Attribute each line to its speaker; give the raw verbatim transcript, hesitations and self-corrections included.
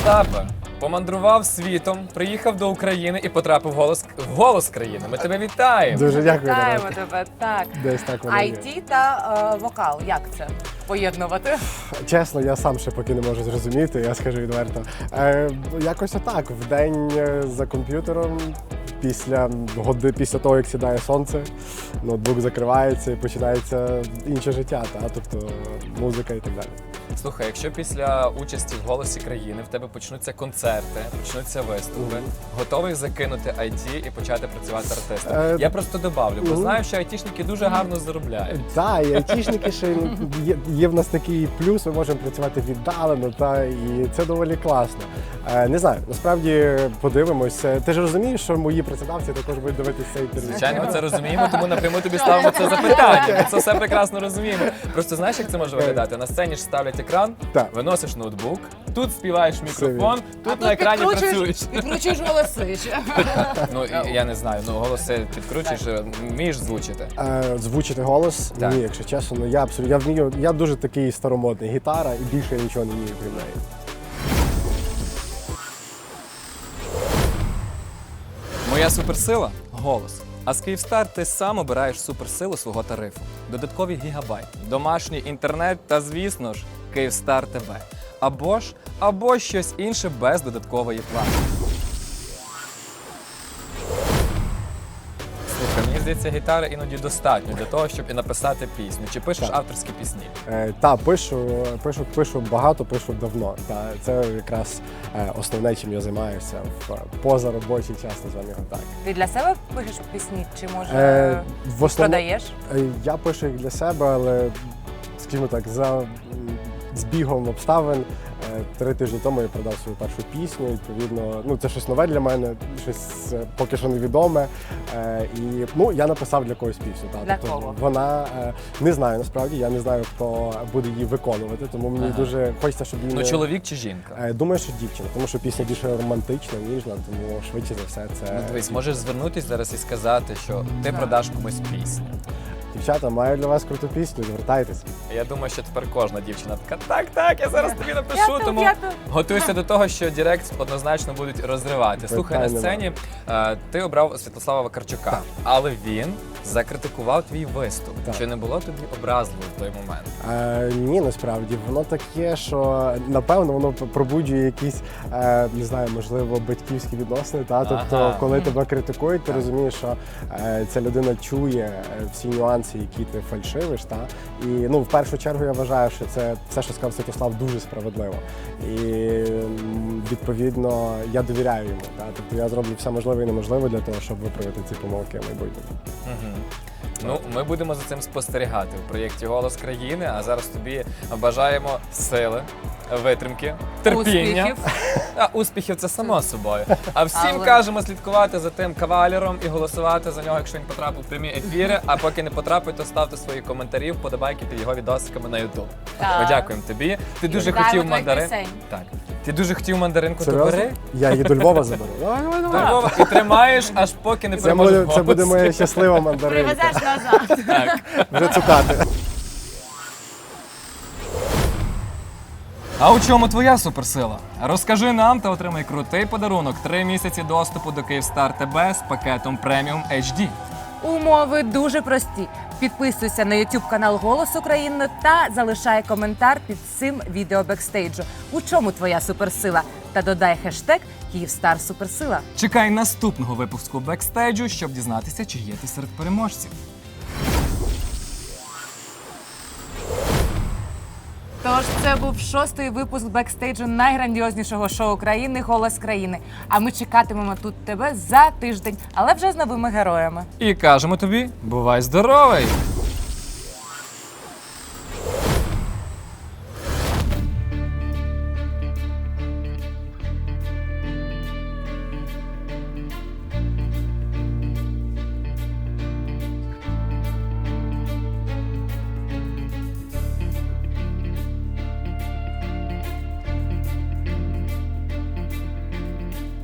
Speaker 1: Остапе, помандрував світом, приїхав до України і потрапив в голос, в голос країни. Ми тебе вітаємо.
Speaker 2: Дуже дякую.
Speaker 3: Вітаємо
Speaker 2: Дарина.
Speaker 3: тебе, так.
Speaker 2: Десь так воно
Speaker 3: ай
Speaker 2: є.
Speaker 3: ті та е, вокал, як це поєднувати?
Speaker 2: Чесно, я сам ще поки не можу зрозуміти, я скажу відверто. Е, якось отак, в день е, за комп'ютером, після годи, після того, як сідає сонце, ноутбук закривається і починається інше життя, та? Тобто музика і так далі.
Speaker 1: Слухай, якщо після участі в «Голосі країни» в тебе почнуться концерти, почнуться виступи, готовий закинути ай ті і почати працювати артистом?
Speaker 2: Е,
Speaker 1: Я просто добавлю, бо
Speaker 2: ну.
Speaker 1: знаю, що айтішники дуже гарно заробляють.
Speaker 2: Так, і айтішники ще є, є в нас такий плюс, ми можемо працювати віддалено, та, і це доволі класно. Е, не знаю, насправді подивимося. Ти ж розумієш, що мої працедавці також будуть дивитися цей інтерв'ю?
Speaker 1: Звичайно, ми це розуміємо, тому напряму тобі ставимо це запитання. Ми це все прекрасно розуміємо. Просто знаєш, як це може виглядати? На сцені ж ставлять екран,
Speaker 2: Так.
Speaker 1: виносиш ноутбук, тут співаєш в мікрофон, тут
Speaker 3: А
Speaker 1: на екрані
Speaker 3: підкручуєш-
Speaker 1: працюєш.
Speaker 3: Підкручуєш голоси ще.
Speaker 1: Ну, і- я не знаю, ну голоси підкручуєш, вмієш звучити.
Speaker 2: Е, звучити голос?
Speaker 1: Так.
Speaker 2: Ні, якщо чесно, ну я абсолютно я вмію. Я дуже такий старомодний гітара і більше я нічого не вмію крім неї.
Speaker 1: Моя суперсила голос. А з Київстар ти сам обираєш суперсилу свого тарифу. Додаткові гігабайти, домашній інтернет та, звісно ж, Київстар ТВ. Або ж, або щось інше без додаткової плати. Слухай, мені здається, гітари іноді достатньо для того, щоб і написати пісню. Чи пишеш
Speaker 2: Так.
Speaker 1: авторські пісні?
Speaker 2: Е, та пишу, пишу, пишу багато, пишу давно. Та це якраз е, основне, чим я займаюся в позаробочий час, називаємо його так.
Speaker 3: Ти для себе пишеш пісні, чи може
Speaker 2: Е, в основному
Speaker 3: продаєш?
Speaker 2: е, я пишу їх для себе, але скажімо так, за м, збігом обставин. е, Три тижні тому я продав свою першу пісню. Відповідно, ну це щось нове для мене, щось е, поки що невідоме. Е, І ну я написав для когось пісню. Та,
Speaker 3: Для
Speaker 2: тобто
Speaker 3: кого?
Speaker 2: вона е, не знаю насправді. Я не знаю, хто буде її виконувати, тому мені
Speaker 1: Ага.
Speaker 2: дуже хочеться, щоб її
Speaker 1: Ну,
Speaker 2: не-
Speaker 1: чоловік чи жінка?
Speaker 2: Е, Думаю, що дівчина, тому що пісня більше романтична, ніжна, тому швидше за все це
Speaker 1: Ну, дивись, можеш звернутися зараз і сказати, що ти продаш комусь пісню.
Speaker 2: дівчата. Маю для вас круту пісню. Звертайтеся.
Speaker 1: Я думаю, що тепер кожна дівчина така, так, так, я зараз тобі напишу,
Speaker 3: Я тут,
Speaker 1: тому
Speaker 3: я тут.
Speaker 1: готуйся до того, що Директ однозначно будуть розривати. Слухай, на
Speaker 2: Питань
Speaker 1: сцені е, ти обрав Святослава Вакарчука,
Speaker 2: Так.
Speaker 1: але він закритикував твій виступ.
Speaker 2: Так.
Speaker 1: Чи не було тобі образливо в той момент?
Speaker 2: Е, ні, насправді воно таке, що напевно воно пробуджує якісь, е, не знаю, можливо, батьківські відносини. Та тобто,
Speaker 1: Ага.
Speaker 2: коли тебе критикують, ти розумієш, що е, ця людина чує е, всі нюанси, які ти фальшивиш. Та і ну в першу чергу я вважаю, що це все, що сказав Святослав, дуже справедливо. І м, відповідно я довіряю йому. Та тобто я зроблю все можливе і неможливе для того, щоб виправити ці помилки в майбутньому.
Speaker 1: Угу. Ну, ми будемо за цим спостерігати в проєкті «Голос країни», а зараз тобі бажаємо сили, витримки, терпіння.
Speaker 3: Успіхів.
Speaker 1: А успіхів це само собою. А всім
Speaker 3: Але-
Speaker 1: кажемо слідкувати за тим кавалером і голосувати за нього, якщо він потрапив в прямі ефіри. А поки не потрапить, то ставте свої коментарі, вподобайки під його відосиками на Ютуб.
Speaker 3: Так.
Speaker 1: Ми дякуємо тобі. Ти дуже
Speaker 3: Вітаємо
Speaker 1: хотів
Speaker 3: твоїх
Speaker 1: мандарин.
Speaker 3: пісень.
Speaker 1: Так. Ти дуже хотів мандаринку, то
Speaker 2: Серйозно?
Speaker 1: бери.
Speaker 2: Я її до Львова заберу. Давай, давай,
Speaker 1: До
Speaker 2: давай.
Speaker 1: Львова і тримаєш, аж поки не
Speaker 2: Це
Speaker 1: переможеш
Speaker 2: буде, це буде
Speaker 1: голос.
Speaker 2: моя щаслива мандаринка.
Speaker 3: Привезеш назад.
Speaker 1: Так.
Speaker 2: Вже цукати.
Speaker 1: А у чому твоя суперсила? Розкажи нам та отримай крутий подарунок. Три місяці доступу до Київстар ТБ з пакетом преміум ейч ді.
Speaker 3: Умови дуже прості. Підписуйся на YouTube канал «Голос України» та залишай коментар під цим відео бекстейджу. У чому твоя суперсила? Та додай хештег «Київстар Суперсила».
Speaker 1: Чекай наступного випуску бекстейджу, щоб дізнатися, чи є ти серед переможців.
Speaker 3: Тож це був шостий випуск бекстейджу найграндіознішого шоу країни «Голос країни». А ми чекатимемо тут тебе за тиждень, але вже з новими героями.
Speaker 1: І кажемо тобі, бувай здоровий!